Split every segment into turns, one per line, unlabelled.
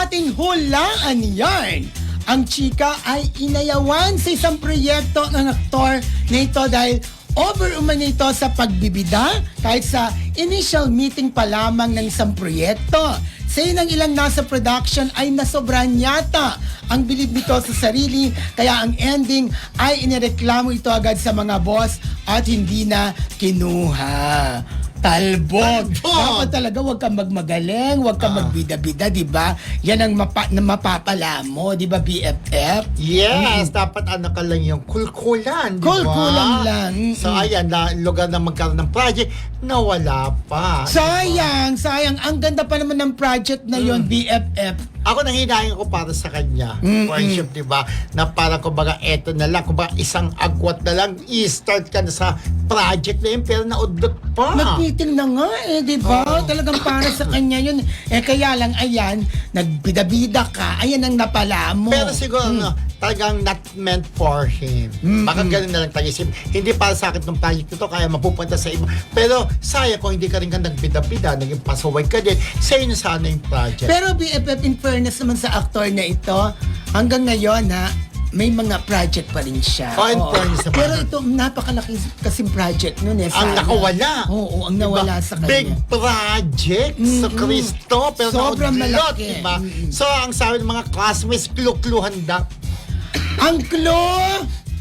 ating hulaan yarn. Ang chika ay inayawan sa isang proyekto ng aktor na ito dahil over-umano ito sa pagbibida kahit sa initial meeting pa lamang ng isang proyekto. Sa ng ilang nasa production ay nasobrahan yata ang bilib nito sa sarili kaya ang ending ay inireklamo ito agad sa mga boss at hindi na kinuha. Talbog. Dapat talaga huwag kang magmagaling, huwag kang magbida-bida, di ba? Yan ang mapapala mo, di ba, BFF?
Yes, dapat ano ka lang yung kulkulan, di ba?
Kulkulan lang.
So ayan, lugar na magkaroon ng project, nawala pa.
Sayang. Ang ganda pa naman ng project na yon, BFF.
Ako nanghihinayang ko para sa kanya, friendship, di ba? Na parang kumbaga eto na lang, kumbaga isang agwat na lang, i-start ka na sa project na yun, pero naudot pa.
Nag-meeting na nga di ba? Talagang para sa kanya yun. Kaya lang, ayan, nagbida-bida ka, ayan ang napala mo.
Pero siguro, talagang not meant for him. Baka ganun na lang tagisip. Hindi para sa akin ng project nito, kaya mapupunta sa iba. Pero sayang kung hindi ka rin ka nagbida-bida, naging pasaway ka din, sa'yo na sana yung project.
Pero BFF, in fairness naman sa aktor na ito, hanggang ngayon may mga project pa rin siya.
In fairness naman.
Pero ito, napakalaki kasing project nun
Ang nakawala.
Oo, ang nawala sa kanya.
Big project sa Cristo, pero
sobrang
naudlot,
malaki.
diba? So, ang sabi ng mga classmates, clue-cluehan daw.
Ang clue,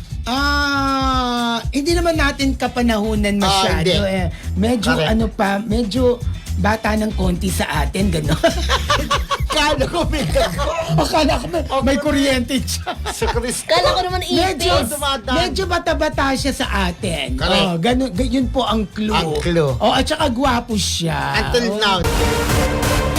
hindi naman natin kapanahunan masyado.
Hindi.
Medyo
Correct.
medyo bata ng konti sa atin, gano'n.
Kala ko may
Akala ko may kuryente siya.
sa Cristo.
Kala ko naman ipis.
Medyo bata-bata siya sa atin.
Correct.
Ganun, yun po ang clue.
Ang clue.
At saka gwapo siya.
Until now.